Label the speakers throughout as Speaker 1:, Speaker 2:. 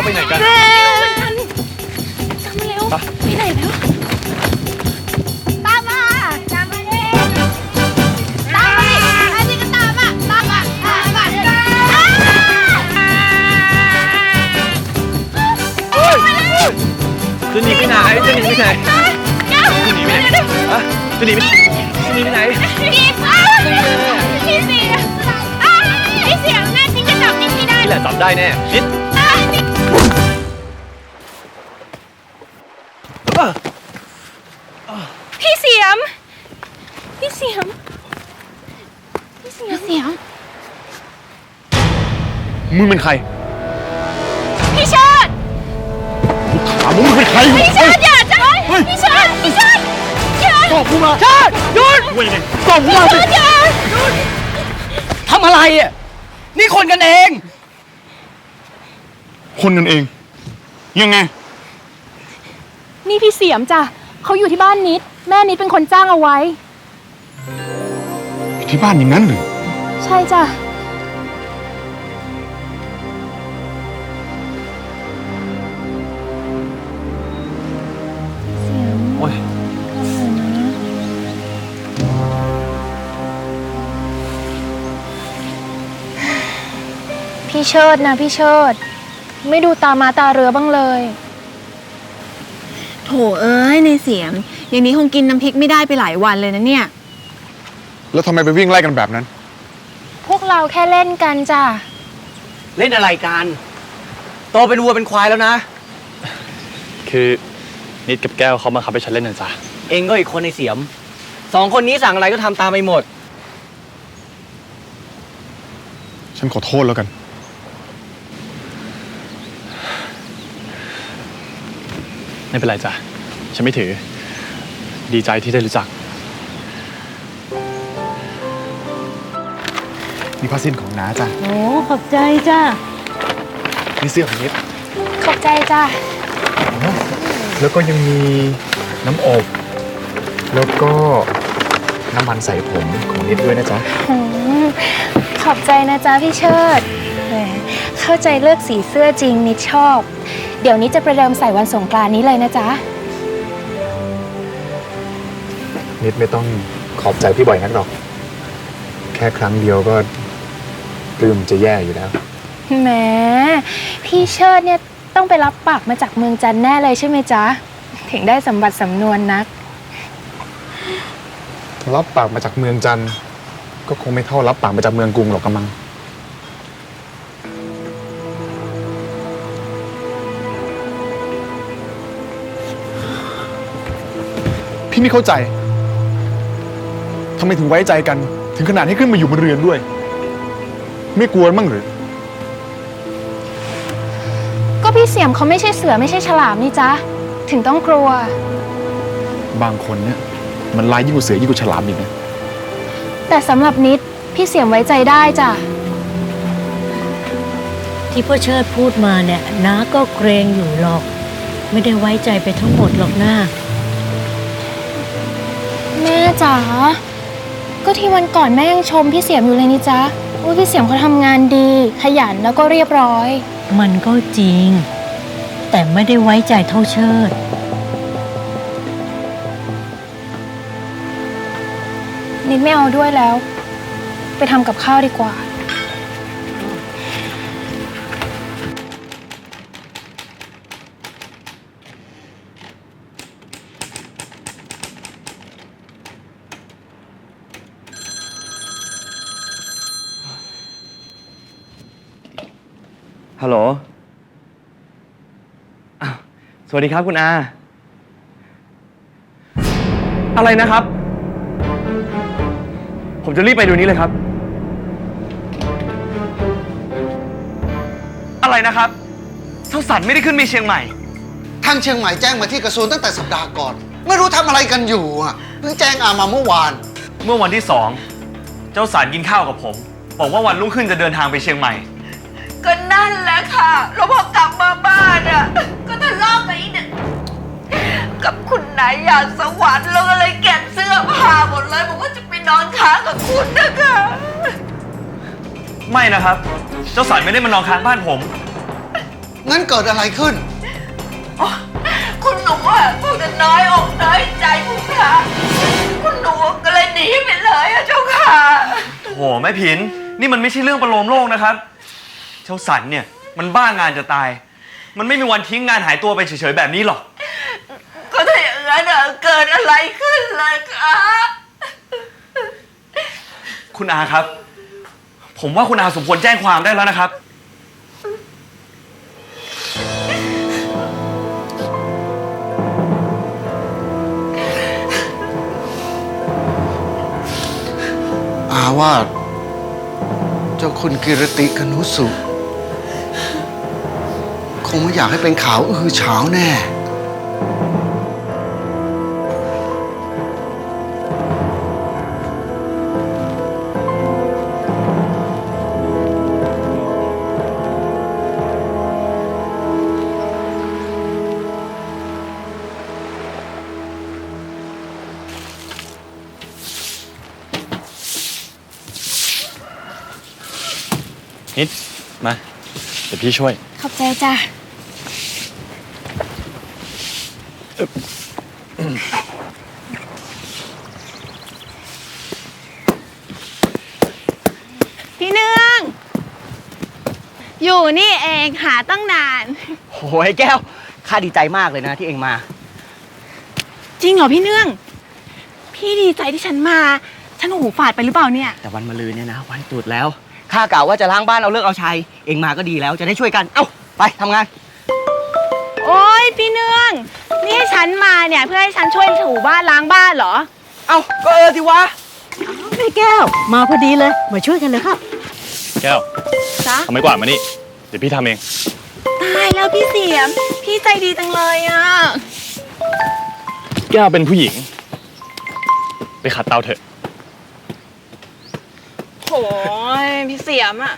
Speaker 1: ไปไหนกัน
Speaker 2: ตามมาเร็วไปไหนแล้วตามมาดิไอ้นี่ก็ตามมา
Speaker 1: จะหนีไปไหนจะหนีไปไหนจะหนีไปไหนอะจะหนีไปไหน
Speaker 2: พี่เสียงแน่จริงจะจับนิดไม่ได้
Speaker 1: นี่แหละจับได้แน่นิด
Speaker 2: พี่เสียม
Speaker 1: มึงเป็นใคร
Speaker 2: พี่เชิด
Speaker 1: ถามมึงเป็นใคร
Speaker 2: พี่เชิดอย่าจ้ะพี่เชิดอย่า
Speaker 1: ตอบกูมาเชิดหยุดเว้ยตอบกูมาสิ
Speaker 3: ทำอะไรอ่ะนี่คนกันเอง
Speaker 1: คนกันเองยังไง
Speaker 2: นี่พี่เสียมจ้ะเขาอยู่ที่บ้านนิดแม่นิดเป็นคนจ้างเอาไว้
Speaker 1: ที่บ้านอย่างนั้นหรือ
Speaker 2: ใช่จ้ะ
Speaker 1: โอ้ย
Speaker 2: พี่เชิดนะพี่เชิดไม่ดูตามาตาเรือบ้างเลย
Speaker 4: โถเอ้ยในเสียมอย่างนี้คงกินน้ำพริกไม่ได้ไปหลายวันเลยนะเนี่ย
Speaker 1: แล้วทำไมไปวิ่งไล่กันแบบนั้น
Speaker 2: พวกเราแค่เล่นกันจ้ะ
Speaker 3: เล่นอะไรกันโตเป็นวัวเป็นควายแล้วนะ
Speaker 1: คือนิดกับแก้วเขามาขับให้ฉันเล่นน่ะจ้ะ
Speaker 3: เองก็อีกคนในเสียมสองคนนี้สั่งอะไรก็ทำตามไปหมด
Speaker 1: ฉันขอโทษแล้วกันไม่เป็นไรจ้ะฉันไม่ถือดีใจที่ได้รู้จักนี่ผ้าสิ้นของน้าจ้ะ
Speaker 4: โอ้ขอบใจจ้ะ
Speaker 1: นี่เสื้อของนิด
Speaker 2: ขอบใจจ้ะ
Speaker 1: แล้วก็ยังมีน้ำอบแล้วก็น้ำมันใส่ผมของนิดด้วยนะจ๊ะ
Speaker 2: ขอบใจนะจ๊ะพี่เชิดแหมเข้าใจเลือกสีเสื้อจริงนิดชอบเดี๋ยวนี้จะประเดิมใส่วันสงกรานต์นี้เลยนะจ๊ะ
Speaker 1: นิดไม่ต้องขอบใจพี่บ่อยนักหรอกแค่ครั้งเดียวก็ปลื้มจะแย่อยู่แล้ว
Speaker 2: แหมพี่เชิดเนี่ยต้องไปรับปากมาจากเมืองจันทร์แน่เลยใช่ไหมจ๊ะถึงได้สมบัติสำนวนนัก
Speaker 1: รับปากมาจากเมืองจันทร์ก็คงไม่เท่ารับปากมาจากเมืองกรุงหรอกกำมังพี่ไม่เข้าใจทำไมถึงไว้ใจกันถึงขนาดให้ขึ้นมาอยู่บนเรือนด้วยไม่กลัวมั่งหรือ
Speaker 2: ก็พี่เสียมเขาไม่ใช่เสือไม่ใช่ฉลามนี่จ๊ะถึงต้องกลัว
Speaker 1: บางคนเนี่ยมันร้ายยิ่งกว่าเสือยิ่งกว่าฉลามอีกนะ
Speaker 2: แต่สำหรับนิดพี่เสียมไว้ใจได้จ้ะ
Speaker 4: ที่พ่อเชิดพูดมาเนี่ยน้าก็เกรงอยู่หรอกไม่ได้ไว้ใจไปทั้งหมดหรอกนะ
Speaker 2: แม่จ๋าก็ที่วันก่อนแม่ยังชมพี่เสียมอยู่เลยนี่จ๊ะว่าพี่เสียมเขาทำงานดีขยันแล้วก็เรียบร้อย
Speaker 4: มันก็จริงแต่ไม่ได้ไว้ใจเท่าเชิด
Speaker 2: นิดไม่เอาด้วยแล้วไปทำกับข้าวดีกว่า
Speaker 5: ฮัลโหลสวัสดีครับคุณอาอะไรนะครับผมจะรีบไปเดี๋ยวนี้เลยครับอะไรนะครับเจ้าสันไม่ได้ขึ้นไปเชียงใหม่
Speaker 6: ทางเชียงใหม่แจ้งมาที่กระทรวงตั้งแต่สัปดาห์ก่อนไม่รู้ทำอะไรกันอยู่เพิ่งแจ้งอามาเมื่อวาน
Speaker 5: วันที่2เจ้าสันกินข้าวกับผมบอกว่าวันรุ่งขึ้นจะเดินทางไปเชียงใหม่
Speaker 7: ก็นั่นแหละค่ะแล้วพอกลับมาบ้านก็ทะเลาะกับอีกกับคุณนายอยากสวรรค์แล้วก็เลยเก็บเสื้อผ้าหมดเลยบอกว่าจะไปนอนค้างกับคุณนะคะ
Speaker 5: ไม่นะครับเจ้าสันไม่ได้มานอนค้างบ้านผม
Speaker 6: งั้นเกิดอะไรขึ้น
Speaker 7: คุณหนูอ่ะคงจะน้อยอกน้อยใจคุณค่ะคุณหนูก็เลยหนีไปเลยอะเจ้าค่ะ
Speaker 5: โหแม่ผิน นี่มันไม่ใช่เรื่องประโลมโลกนะครับ เจ้าสันเนี่ยมันบ้างานจะตาย มันไม่มีวันทิ้งงานหายตัวไปเฉยๆแบบนี้หรอก
Speaker 7: ก็ถ้าอย่างนั้นอะเกิดอะไรขึ้นเลยคะ
Speaker 5: คุณอาครับ ผมว่าคุณอาสมควรแจ้งความได้แล้วนะครับ
Speaker 6: อาว่าเจ้าคุณกิรติคนุสุคงไม่อยากให้เป็นข่าวอื้อฉาวแน่
Speaker 5: นิด มา เดี๋ยวพี่ช่วย
Speaker 2: ขอบใจจ้ะ
Speaker 8: พี่เนือง อยู่นี่เองหาตั้งนาน
Speaker 3: โอ้ยแก้ว ข้าดีใจมากเลยนะที่เองมา
Speaker 8: จริงเหรอพี่เนือง พี่ดีใจที่ฉันมา ฉันหูฝาดไปหรือเปล่าเนี่ย
Speaker 3: แต่วันมะรืนเนี่ยนะ วันตรุษแล้ว ข้ากล่าวว่าจะล้างบ้านเอาเลิกเอาชัย เองมาก็ดีแล้วจะได้ช่วยกัน เอ้า ไปทำงาน
Speaker 8: โอ้ยพี่เนือง นี่ให้ฉันมาเนี่ยเพื่อให้ฉันช่วยถูบ้านล้างบ้านเหรอ
Speaker 3: เอ้า ก็สิวะ
Speaker 4: แม่แก้ว มาพอดีเลย มาช่วยกันเลยครับ
Speaker 5: แก้ว
Speaker 8: จ๊ะ
Speaker 5: ทำไมกวาดมานี่ เดี๋ยวพี่ทำเอง
Speaker 8: ตายแล้วพี่เสียม พี่ใจดีจังเลยอ่ะ
Speaker 5: แก้วเป็นผู้หญิง ไปขัดเตาเถอะ
Speaker 8: โหยพี่เสียมอ่ะ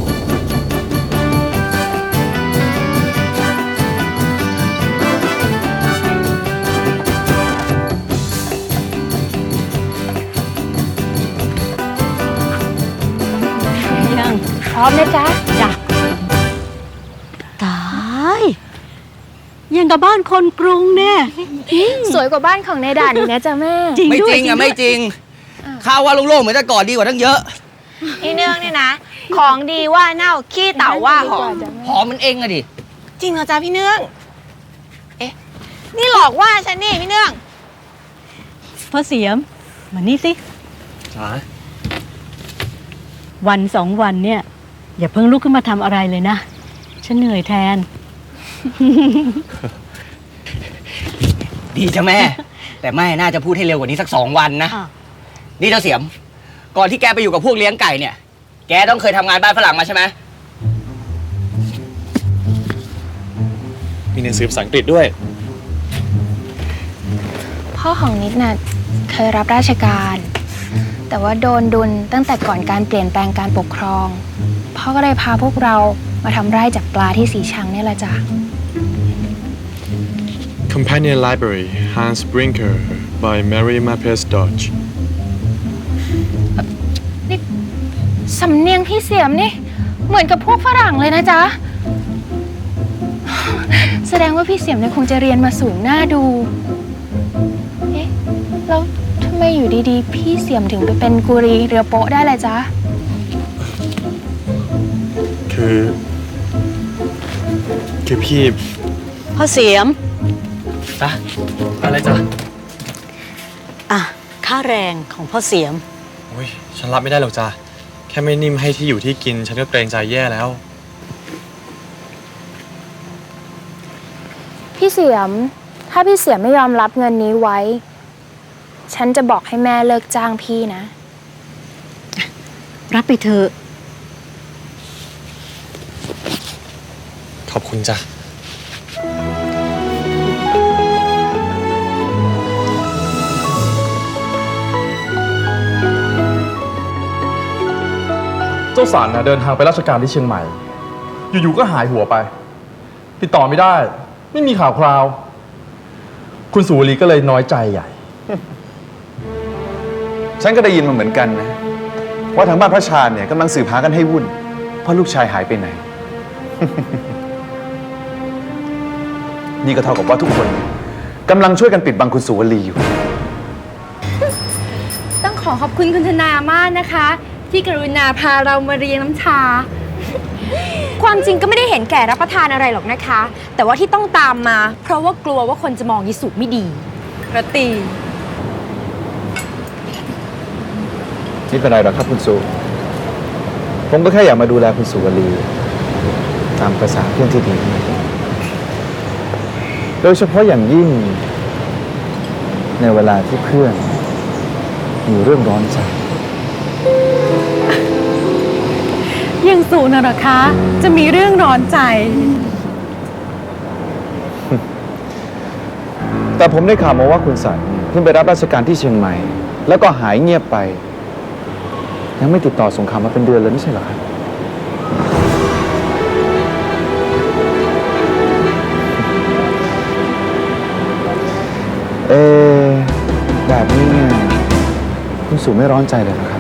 Speaker 4: ยัง
Speaker 2: พร้อมนะจ๊ะ
Speaker 4: จ้ะตาย ยังกับบ้านคนกรุงเนี่ย
Speaker 2: สวยกว่าบ้านของในด่านอีกนะจ๊ะแม่
Speaker 4: จริง
Speaker 3: ไม่
Speaker 4: ด้วย
Speaker 3: จริงอ่ะ
Speaker 4: ด้วย
Speaker 3: ไม่จริง ข้าว่าโล่งๆเหมือนแต่ก่อนดีกว่าทั้งเยอะ
Speaker 8: พี่เนืองเนี่ยนะ ของดีว่าเน่าขี้เต่าว่าหอม
Speaker 3: หอมมันเองอะดิ
Speaker 8: จริงเหรอจ๊ะพี่เนือง เอ๊ะ นี่หลอกว่าฉันนี่พี่เนือง
Speaker 4: พ่อเสียม มานี่สิ
Speaker 3: จ๋า
Speaker 4: วันสองวันเนี่ย อย่าเพิ่งลุกขึ้นมาทำอะไรเลยนะ ฉันเหนื่อยแทน
Speaker 3: ดีจ้ะแม่ แต่แม่น่าจะพูดให้เร็วกว่านี้สัก2 วันนะ
Speaker 4: อ้าว
Speaker 3: นี่เจ้าเสียม ก่อนที่แกไปอยู่กับพวกเลี้ยงไก่เนี่ย แกต้องเคยทำงานบ้านฝรั่งมาใช่ไหม
Speaker 5: มีหนังสือภาษาอังกฤษด้วย
Speaker 2: พ่อของนิดน่ะเคยรับราชการ แต่ว่าโดนดุลตั้งแต่ก่อนการเปลี่ยนแปลงการปกครอง พ่อก็เลยพาพวกเรามาทำไร่จับปลาที่สีชังนี่แหละจ้ะ
Speaker 1: Companion Library Hans Brinker by Mary Mapes Dodge
Speaker 2: สำเนียงพี่เสียมนี่เหมือนกับพวกฝรั่งเลยนะจ๊ะ แสดงว่าพี่เสียมเนี่ยคงจะเรียนมาสูงหน้าดู เอ๊ะ แล้วทำไมอยู่ดีๆ พี่เสียมถึงไปเป็นกุรีเรือโป๊ะได้เลยจ๊ะ
Speaker 1: คือพี่
Speaker 4: พ่อเสียม
Speaker 5: จ๊ะ อะไรจ๊ะ
Speaker 4: อ่ะ ค่าแรงของพ่อเสียม
Speaker 5: โอ้ย ฉันรับไม่ได้หรอกจ้ะ แค่ไม่นิ่มให้ที่อยู่ที่กิน ฉันก็เกรงใจแย่แล้ว
Speaker 2: พี่เสียม ถ้าพี่เสียมไม่ยอมรับเงินนี้ไว้ ฉันจะบอกให้แม่เลิกจ้างพี่นะ
Speaker 4: รับไปเถอะ
Speaker 5: ขอบคุณจ้ะ
Speaker 9: เจ้าสันนะเดินทางไปราชการที่เชียงใหม่ อยู่ๆก็หายหัวไป ติดต่อไม่ได้ ไม่มีข่าวคราว คุณสุวรีก็เลยน้อยใจใหญ่
Speaker 1: ฉันก็ได้ยินมาเหมือนกันนะ ว่าทางบ้านพระชาญเนี่ยกำลังสืบหากันให้วุ่นเพราะลูกชายหายไปไหนนี่ก็เท่ากับว่าทุกคนกำลังช่วยกันปิดบังคุณสุวลีอยู่
Speaker 2: ต้องขอขอบคุณคุณธนามากนะคะ ที่กรุณาพาเรามาเรียนน้ำชา
Speaker 10: ความจริงก็ไม่ได้เห็นแก่รับประทานอะไรหรอกนะคะ แต่ว่าที่ต้องตามมา เพราะว่ากลัวว่าคนจะมองยิสุไม่ดีระตี
Speaker 1: นี่เป็นไรหรอครับคุณสุผมก็แค่อยากมาดูแลคุณสุวลีตามภาษาเพื่อนที่ดี โดยเฉพาะอย่างยิ่ง ในเวลาที่เพื่อนมีเรื่องร้อนใจ
Speaker 8: ยังสูนะเหรอคะ จะมีเรื่องร้อนใจ
Speaker 1: แต่ผมได้ข่าวมาว่าคุณสันเพิ่งไปรับราชการที่เชียงใหม่ แล้วก็หายเงียบไป ยังไม่ติดต่อส่งข่าวมาเป็นเดือนเลยไม่ใช่เหรอครับ แบบนี้เนี่ยคุณสุไม่ร้อนใจเลยนะครับ